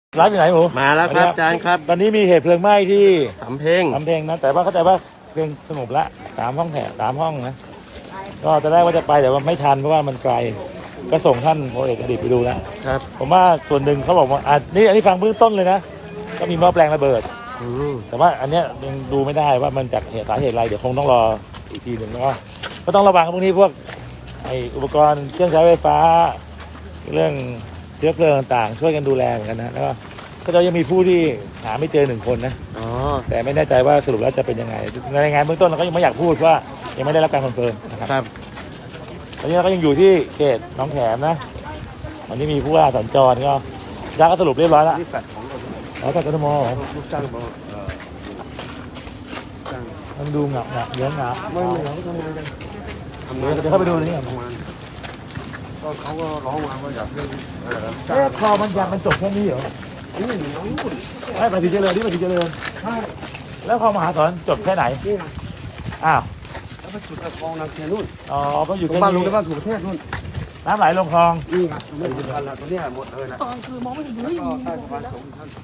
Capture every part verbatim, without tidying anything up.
ร้านอยู่ไหนหมูมาแล้วครับอาจารย์ครับตอนนี้มีเหตุเพลิงไหม้ที่สำเพ็งสำเพ็งนะแต่ว่าเข้าใจว่าเพลิงสงบละสามห้องแถวสามห้องนะก็จะได้ว่าจะไปแต่ว่าไม่ทันเพราะว่ามันไกลก็ส่งท่านพลเอกอดีตไปดูแล้วครับผมว่าส่วนหนึ่งเขาบอกว่าอันนี้อันนี้ฟังเบื้องต้นเลยนะก็มีหม้อแปลงระเบิดแต่ว่าอันเนี้ยยังดูไม่ได้ว่ามันจากเหตุสาเหตุอะไรเดี๋ยวคงต้องรออีกทีหนึ่งแล้วก็ก็ต้องระวังพวกนี้พวกไออุปกรณ์เครื่องใช้ไฟฟ้าเรื่องเชื้อเพลิงต่างๆช่วยกันดูแลเหมือนกันนะแล้วก็ก็จะยังมีผู้ที่หาไม่เจอหนึ่งคนนะอ๋อแต่ไม่แน่ใจว่าสรุปแล้วจะเป็นยังไงในรายงานเบื้องต้นเราก็ยังไม่อยากพูดว่ายังไม่ได้รับการคอนเฟิร์มนะครับตอนนี้เราก็ยังอยู่ที่เขตหนองแขมนะวันนี้มีผู้ว่าสัญจรก็ยาก็สรุปเรียบร้อยแล้วนี่แฟลตของเราอ๋อแต่กทมเหรอลูกจ้างบอกเอ่อจ้างมันดูหงับหงับเยอะหงับไม่ไม่เราทำงานกันทำงานเดี๋ยวเข้าไปดูนี่ทำงานก็เขาก็ร้องมาว่าอยากให้เอ่อเอ๊ะคอมันยังมันจบแค่นี้เหรอนี่น้องนู่นไม่ปฏิเจริญที่ปฏิเจริญใช่แล้วคอมหาสอนจบแค่ไหนนี่นะอ้าวแล้วไปจุดตะคองนาเคียนู่นอ๋อก็อยู่แค่บ้านลุงนี้ในบ้านสุประเทศนู่นน้ำไหลลงคลองนี่ไงไม่ถึงกันละตัวเนี้ยหมดเลยนะตอนคือมองไม่เห็นเลยก็ใต้สะพานสูงท่าน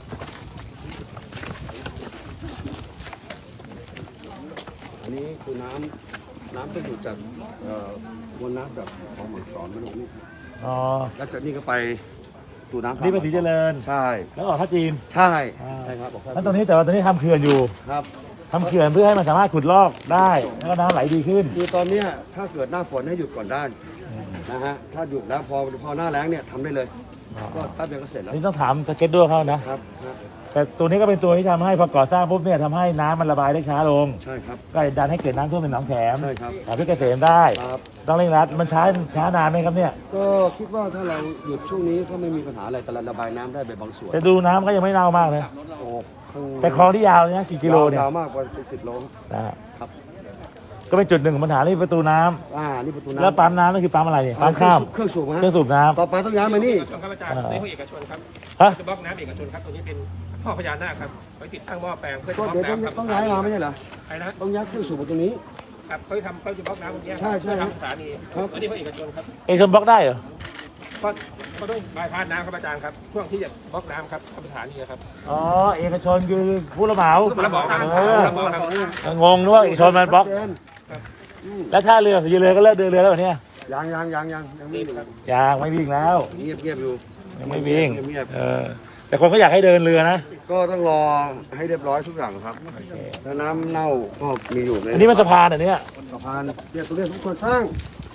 อันนี้คือน้ำน้ำที่อยู่จากเอ่อมวลน้ำแบบของหมักสอนมาตรงนี้อ๋อแล้วจากนี้ก็ไปตูน้ำนี่ปฏิเจริญใช่แล้วออกท่าจีนใช่ใช่ครับแล้วตอนนี้แต่ว่าตอนนี้ทำเขื่อนอยู่ครับทำเขื่อนเพื่อให้มันสามารถขุดลอกได้แล้วก็น้ำไหลดีขึ้นคือตอนนี้ถ้าเกิดหน้าฝนให้หยุดก่อนได้นะฮะถ้าหยุดแล้วพอพอหน้าแล้งเนี่ยทำได้เลยก็แป๊บเดียวก็เสร็จแล้วนี่ต้องถามสเก็ตด้วยเขานะครับแต่ตัวนี้ก็เป็นตัวที่ทำให้พอก่อสร้างปุ๊บเนี่ยทำให้น้ำมันระบายได้ช้าลงใช่ครับก็ดันให้เกิดน้ำท่วมเป็นหนองแขมใช่ครับหาพิเกษมได้ครับต้องเร่งรัดมันช้าช้านานไหมครับเนี่ยก็คิดว่าถ้าเราหยุดช่วงนี้ก็ไม่มีปัญหาอะไรแต่ระบายน้ำได้ไปบางส่วนแต่ดูน้ำก็ยังไม่เน่ามากนะโอ้แต่คลองที่ยาวเนี่ยกี่กิโลเนี่ยยาวมากกว่าเป็นสิบโลนะครับก็เป็นจุดหนึ่งของปัญหาที่ประตูน้ำอ่านี่ประตูน้ำแล้วปั๊มน้ำนั่นคือปั๊มอะไรเนี่ยปั๊มข้ามเครื่องสูบเครื่องสูบน้ำต่อไปต้องย้ายมานี่ครับอาจารย์ในห้องเอกชนครับจะบล็อกน้ำเอกชนครับตรงนี้เป็นท่อพญานาคครับไว้ติดตั้งหม้อแปลงเพื่อจะบล็อกน้ำครับต้องย้ายมาไม่ใช่เหรอใช่นะต้องย้ายเครื่องสูบมาตรงนี้ครับเขาทำเขาจะบล็อกน้ำตรงนี้ใช่ใช่ทำสถานีอันนี้ห้องเอกชนครับเอกชนบล็อกได้เหรอก็เขาต้องบายพาสน้ำครับอาจารย์ครับช่วงที่จะบล็อกน้ำครับทำสถานีครับอ๋อเอกชนคือผู้รับเหมาผู้รับเหมาครับงงนึกว่าเอกชนมันบล็อกแล้วท่าเรือสีเรือก็เลิกเดินเรือแล้วเนี่ยยังยังยังยังยังไม่ยังไม่วิ่งแล้วเงียบเงียบอยู่ยังไม่วิ่งเออแต่คนก็อยากให้เดินเรือนะก็ต้องรอให้เรียบร้อยทุกอย่างครับแล้วน้ำเน่าก็มีอยู่ในอันนี้มันสะพานอันนี้สะพานเนี่ยตัวนี้ทุกคนสร้าง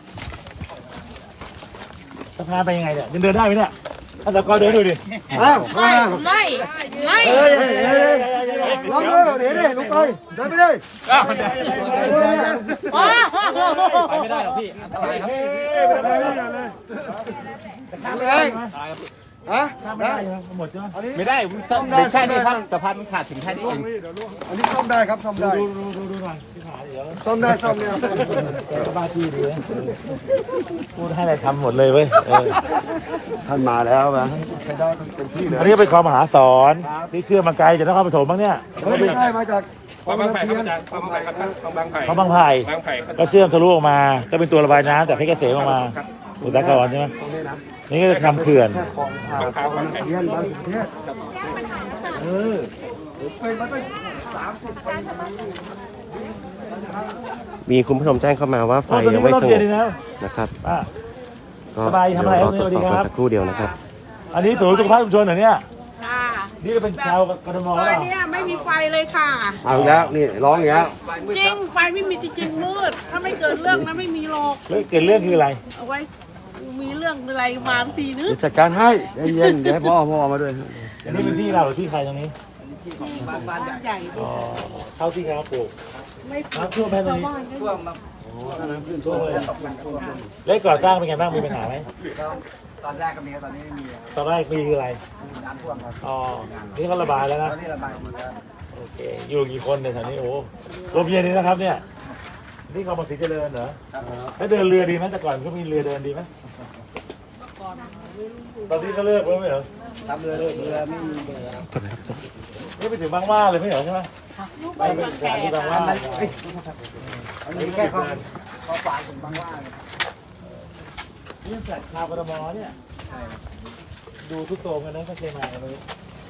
สะพานไปยังไงเนี่ยเดินได้ไหมเนี่ยท่านตะกอเดินดูดิอ้าวไม่ไม่ไม่เฮ้ยลองเลยเดี๋ยวดิลุกไปเดินไปเลยไปไม่ได้หรอกพี่อันตรายครับทำเลยฮะได้หมดใช่ไหมไม่ได้ต้องได้แค่นี้ครับสะพานมันขาดถึงแค่นี้เองอันนี้ซ่อมได้ครับซ่อมได้ดูดูดูดูหน่อยที่ขาเดี๋ยวซ่อมได้ซ่อมเนี่ยแกก็บ้าที่ดีนะพูดให้อะไรทำหมดเลยเว้ยท่านมาแล้วนะใช้ได้เต็มที่เลยอันนี้เป็นความมหาสอนที่เชื่อมาไกลจากนครปฐมบ้างเนี่ยไม่ใช่มาจากคลองบางไผ่ครับอาจารย์คลองบางไผ่ครับคลองบางไผ่คลองบางไผ่ก็เชื่อมทะลุออกมาก็เป็นตัวระบายน้ำจากเพชรเกษมออกมาอุตสาหกรรมใช่ไหมนี่ก็จะทำเขื่อนมีคุณผู้ชมแจ้งเข้ามาว่าไฟยังไม่สงบนะครับก็สบายทำอะไรครับสวัสดีครับสักครู่เดียวนะครับอันนี้ศูนย์สุขภาพชุมชนเหรอเนี่ยนี่ก็เป็นชาวกทมซอยนี้ไม่มีไฟเลยค่ะเอาแล้วนี่ร้องอย่างนี้จริงไฟไม่มีจริงมืดถ้าไม่เกิดเรื่องนะไม่มีหรอกเรื่องเกิดเรื่องคืออะไรเอาไว้มีเรื่องอะไรมาทีนึงจัดการให้เย็นๆเดี๋ยวให้พ่อพ่อมาด้วยอันนี้เป็นที่เราหรือที่ใครตรงนี้ที่ของบ้านใหญ่อ๋อเท่าที่เขาปลูกน้ำท่วมไหมตรงนี้ท่วมน้ำขึ้นท่วมเลยเล็กก่อสร้างเป็นไงบ้างมีปัญหาไหมตอนแรกก็มีตอนนี้ไม่มีตอนแรกมีคืออะไรน้ำท่วมครับอ๋อนี่เขาระบายแล้วนะนี่ระบายหมดแล้วโอเคอยู่กี่คนในแถวนี้โอ้รวมเย็นนี่นะครับเนี่ยนี่เขามาสีเจริญเหรอแล้วเดินเรือดีไหมแต่ก่อนก็มีเรือเดินดีไหมตอนนี้ก็เลิกแล้วไม่เหรอทำเรือเรือไม่มีเรือจบเลยครับจบนี่ไปถึงบางว่าเลยไม่เหรอใช่ไหมไปเป็นสถานที่บางว่าอันนี้แค่เขาเขาฝากถึงบางว่านี่แฟลตชาวกทมเนี่ยดูทุกโซมกันนะถ้าเคยมากันเลย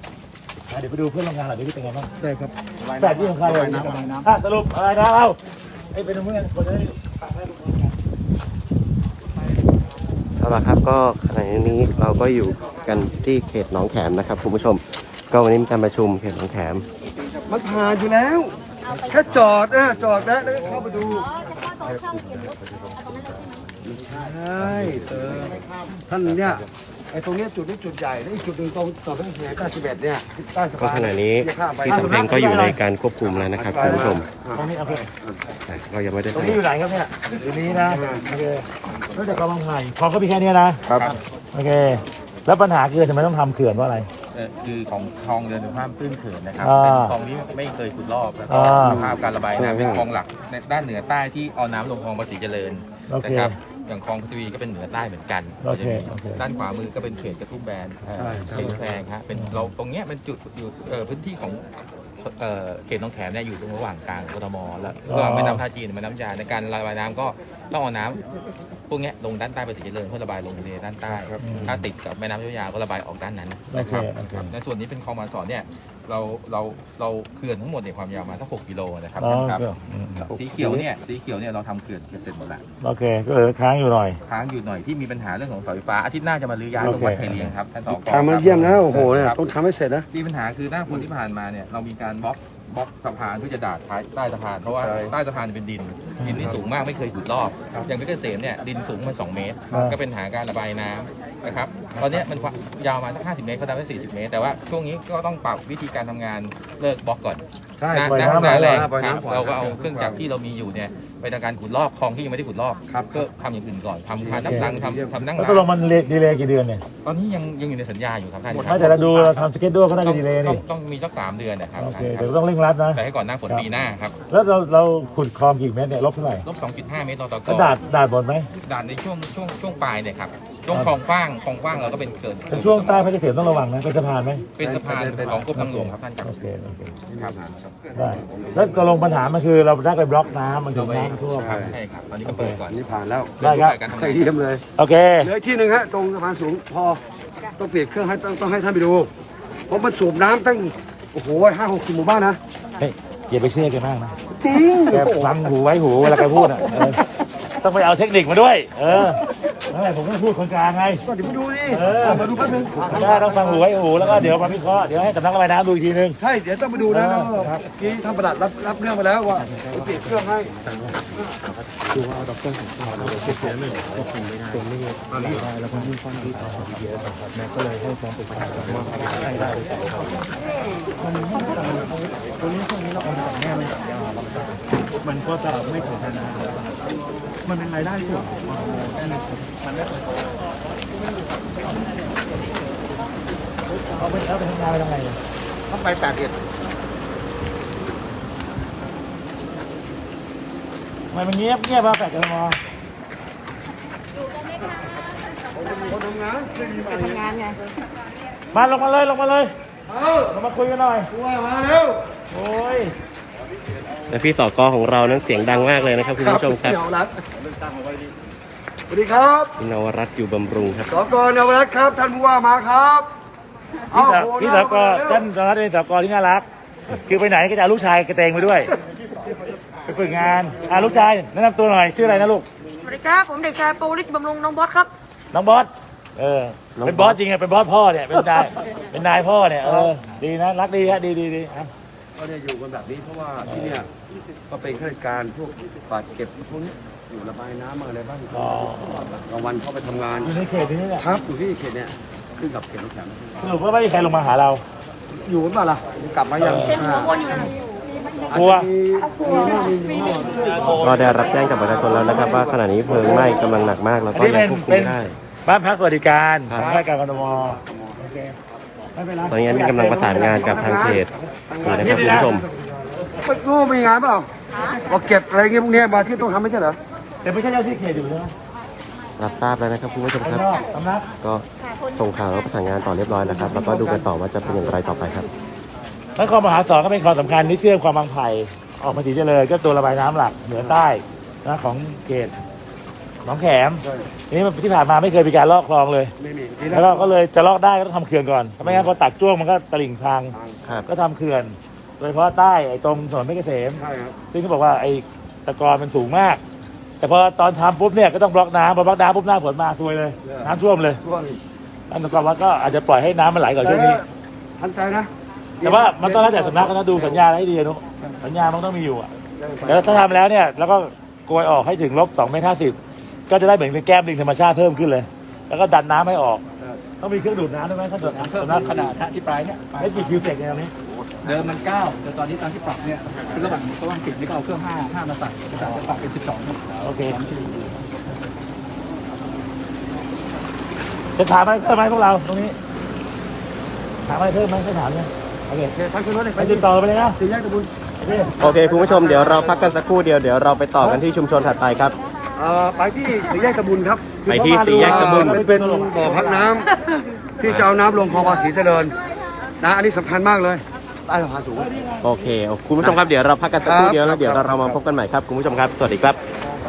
เดี๋ยวไปดูเพื่อนโรงงานหน่อยดิเป็นไงบ้างได้ครับแต่ที่สำคัญเลยอ่ะสรุปอะไรนะเอาไอ้เป็นเพื่อนคนจะได้ฟังได้ทุกคนกันเอาละครับก็ขณะนี้เราก็อยู่กันที่เขตหนองแขมนะครับคุณผู้ชมก็วันนี้มีการประชุมเขตหนองแขมมันผ่านอยู่แล้วแค่จอดนะจอดแล้วแล้วก็เข้าไปดูใช่เออท่านเนี่ยไอ้ตรงเนี้ยจุดนี้จุดใหญ่แล้วอีกจุดหนึ่งตรงต่อไปถึงเก้าสิบเอ็ดเนี่ยใต้สะก็พานขณะนี้ที่สำเพ็งก็อยู่ในการควบคุมแล้วนะครับคุณผู้ชมตรงนี้โอเคแต่ก็ยังไม่ได้ตรงใส่นี้อยู่ไหนครับเนี่ยอยู่นี้นะโอเคแล้วจากกำลังไผ่คลองก็มีแค่นี้นะครับ โอเคแล้วปัญหาคือทำไมต้องทำเขื่อนว่าอะไรเอ่อคือของคลองเดินถึงห้ามตื้นเขินนะครับอ่าเป็นคลองที่ไม่เคยขุดลอกแล้วก็อ่าสภาพการระบายน้ำเป็นคลองหลักในด้านเหนือใต้ที่เอาน้ำลงคลองภาษีเจริญโอเคนะครับอย่างคลองพัทวีก็เป็นเหนือใต้เหมือนกันโอเคก็จะมีโอเคด้านขวามือก็เป็นเขตกระทุ่มแบนเอ่อเขตแพงฮะเป็นเราตรงเนี้ยเป็นจุดอยู่เอ่อพื้นที่ของเอ่อเขตหนองแขมเนี่ยอยู่ตรงระหว่างกลางกทมและระหว่างแม่น้ำท่าจีนแม่น้ำยาในการระบายน้ำก็ต้องเอาน้ำพวกเนี้ยลงด้านใต้ภาษีเจริญเพื่อระบายลงทะเลด้านใต้ถ้าติดกับแม่น้ำเจ้าพระยาก็ระบายออกด้านนั้นโอนะเคครับโอเคในส่วนนี้เป็นคลองมาสอนเนี่ยเราเราเราเขื่อนทั้งหมดเนี่ยความยาวมาสักหกกิโลนะครับอ๋อครับอืมสีเขียวเนี่ยสีเขียวเนี่ยเราทำเขื่อนเสร็จหมดแล้วโอเคก็เหลือค้างอยู่หน่อยค้างอยู่หน่อยที่มีปัญหาเรื่องของเสาไฟฟ้าอาทิตย์หน้าจะมาลื้อย้ายโอลงเควัดไทยเลียงครับท่านสกทางมาเยี่ยมนะโอ้โหเนี่ยครับต้องทำให้เสร็จนะมีปัญหาคือหน้าฝนที่ผ่านมาเนี่ยเรามีการบล็อกบล็อกสะพานเพื่อจะดาดท้ายใต้สะพานเพราะว่าใช่ใต้สะพานเป็นดินดินที่สูงมากไม่เคยขุดลอกอย่างเพชรเกษมเนี่ยดินสูงมาสองเมตรครับก็เป็นปัญหาการระบายน้ำนะครับตอนเนี้ยมันยาวมาสักห้าสิบเมตรเขาทำได้สี่สิบเมตร แต่ว่าช่วงนี้ก็ต้องปรับวิธีการทำงานเลิกบล็อกก่อนใช่หน้าปล่อยหน้าน้ำหน้าแรงปล่อยครับน้ำก่อนเราก็เอาเครื่องจักรที่เรามีอยู่เนี่ยไปทำการขุดลอกคลองที่ยังไม่ได้ขุดลอกครับก็ทำอย่างอื่นก่อนทำทานน้ำตังทำทำนั่งแล้วร้าตกลงนมันดีเลย์กี่เดือนเนี่ยตอนนี้ยังยังอยู่ในสัญญาอยู่ครับท่านคไม่รับแต่เราดูเราทำสเก็ตด้วยก็น่าต้จะองดีเลย์ต้อนี่งต้องมีสักสามเดือนนะครับโอเคท่านคเดี๋ยวรับต้องเร่งรัดนะแต่ให้ก่อนหน้าฝนปีหน้าครับแล้วเราเราขุดคลองกี่เมตรเนี่ยลบเท่าไหร่ลบสองจุดห้าเมตรต่อตะกแล้วดาดดาดหมดไหมด่านในช่วงช่วงช่วงปลายเนี่ยครับช่วงคลองกว้างคลองกว้างเราก็เป็นเกิดแต่ช่วงใต้เพชรเกษมต้องระวังนะเป็นสะพานไหมเป็นสะพานของกรมทางหลวงครับท่านครับโอเคโอเคครับได้แล้วตกลงปัญหามันคือเราได้ไปบล็อกน้ำมันถึงน้ำท่วมใช่ใช่ครับตอนนี้ก็เปิดก่อนอันนี้ผ่านแล้วได้ครับการทำใครงานเยี่ยมเลยโอเคเหลืออีกที่หนึ่งฮะตรงสะพานสูงพอต้องเปลี่ยนเครื่องให้ต้องต้องให้ท่านไปดูเพราะมันสูบน้ำตั้งโอ้โหห้าหกสิบหมู่บ้านนะเฮ้ยอย่าไปเชื่อแกมากนะจริงแกฟังหูไว้หูเวลาแกพูดอ่ะเออต้องไปเอาเทคนิคมาด้วย เออนั่นแหละผมก็พูดคนกลางไงก็เดี๋ยวไปดูดิเออมาดูแป๊บนึงได้ต้องฟังหูไว้หูแล้วก็เดี๋ยวมาวิเคราะห์เดี๋ยวให้สำนักระบายน้ำดูอีกทีนึงใช่เดี๋ยวต้องไปดูนะเออแล้วครับเมื่อกี้ท่านประหลัดรับรับเรื่องไปแล้วว่าจะเปลี่ยนเครื่องให้มันก็จะไม่ถึงขนาดมันเป็นรายได้ส่วนมันไม่เอาไปเอาไปทำงานไปทำไงเนี่ยต้องไปแปดเดือนทำไมมันเงียบเงียบมาแปดกันมอคนทำงานไม่มีมาทำงานไงมาลงมาเลยลงมาเลยเอ้าลงมาคุยกันหน่อยตัวมาเร็วโอ้ยและพี่สกของเรานั้นเสียงดังมากเลยนะครับคุณผู้ชมครับเนวรัตน์สวัสดีครับพี่นวรัตน์อยู่บำรุงครับสกเนวรัตน์ครับ ท่านผู้ว่ามาครับพี่สาวเอ้าพี่สาวก็เร็วท่านสารวัตรเป็นสาวกที่น่ารัก คือไปไหนก็จะเอาลูกชายกระเตงไปด้วย ไปฝึกงานอ่าลูกชายแนะนำตัวหน่อยชื่ออะไรนะลูกสวัสดีครับ ผมเด็กชายปวริศบำรุงน้องบอสครับน้องบอส เออ เป็นบอสจริงอะเป็นบอสพ่อเนี่ย เป็นนาย เป็นนายพ่อเนี่ย เออ ดีนะ รักดีฮะ ดีดีดีครับก็เนี่ยอยู่กันแบบนี้เพราะว่าที่เนี่ยก็เป็นข้าราชการพวกบาดเจ็บพวกนี้อยู่ระบายน้ำอะไรบ้างอ๋อกลางวันเขาไปทำงานอยู่ในเขตนี้แหละครับอยู่ที่เขตเนี่ยขึ้นกับเขตน้ำแข็งสรุปว่าไม่มีใครลงมาหาเราอยู่กันเปล่าล่ะกลับมายังเห็นหัวคนอยู่นะกลัวก็ได้รับแจ้งจากประชาชนแล้วนะครับ ว่าขณะนี้เพลิงไหม้กำลังหนักมากแล้วอันก็นี้ยัเป็งนควบคุเป็มนได้บ้านพักสวัสดิการครัขบองราชการกทมโอเคไม่เป็นไรตอนนี้กำลังประสานงานกับทางเขตอยู่นะครับคุณผู้ชมไม่รู้มีงานเปล่าบอกเก็บอะไรเงี้ยพวกเนี้ยมาที่ต้องทำไม่ใช่เหรอแต่ไม่ใช่เจ้าที่เขตอยู่ใช่ไหมรับทราบแล้วนะครับคุณผู้ชมข้างครับนอกสำนักก็ส่งข่าวแล้วประสานงานต่อเรียบร้อยแล้วครับแล้วก็ดูกันต่อว่าจะเป็นอย่างไรต่อไปครับนครมหาสอนก็เป็นความสำคัญที่เชื่อมความบางไผ่ออกมาสีเจริญก็ตัวระบายน้ำหลักเหนือใต้นะของเขตหนองแขมทีนี้ที่ผ่านมาไม่เคยมีการลอกคลองเลยไม่มีแล้วก็ก็เลยจะลอกได้ก็ต้องทำเขื่อนก่อนถ้าไม่งั้นพอตักจ้วงมันก็ตลิ่งพังครับก็ทำเขื่อน โดยเฉพาะใต้ไอ้ตรงถนนเพชรเกษมใช่ครับซึ่งเขาบอกว่าไอ้ตะกอนมันสูงมาก แต่พอตอนทำปุ๊บเนี่ยก็ต้องบล็อกน้ำพอบล็อกน้ำปุ๊บหน้าฝนมาซวยเลย น้ำท่วมเลยช่วงอันตะกอนวัดก็อาจจะปล่อยให้น้ำมันไหลก่อนช่วงนี้ทันใจนะแต่ว่ามันต้องแล้วแต่สำนักนะดูสัญญาให้ดีนุสัญญามันต้องมีอยู่อะแล้วถ้าทำแล้วเนี่ยแล้วก็โกยออกให้ถึงลบสองเมตรห้าสิบก็จะได้เหมือนเป็นแก้มลิงธรรมชาติเพิ่มขึ้นเลย แล้วก็ดันน้ำให้ออกต้องมีเครื่องดูดน้ำด้วยไหมถ้าดูดน้ำเพิ่มสำนักขนาดฮะที่ปลายเนี่ยไม่กี่คิวเซกในตรงนี้เดิมมันเก้าแต่ตอนนี้ตอนที่ปรับเนี่ยคือระหว่างระหว่างสิบนี่ก็เอาเครื่องห้าห้ามาใส่ก็จะปรับเป็นสิบสองโอเคจะถามอะไรเพิ่มไหมพวกเราตรงนี้ถามอะไรเพิ่มไหมไม่ถามเลยโอเคทางขึ้นรถเลยไปติดต่อไปเลยนะสี่แยกตะบุญโอเคโอเคคุณผู้ชมเดี๋ยวเราพักกันสักครู่เดียวเดี๋ยวเราไปต่อกันที่ชุมชนถัดไปครับเอ่อไปที่สี่แยกตะบุญครับไปที่สี่แยกตะบุญมันเป็นบ่อพักน้ำที่จะเอาน้ำลงคลองภาษีเจริญนะอันนี้สำคัญมากเลยใต้สะพานสูงโอเคคุณผู้ชมครับเดี๋ยวเราพักกันสักครู่เดียวแล้วเดี๋ยวเรามาพบกันใหม่ครับคุณผู้ชมครับสวัสดีครับ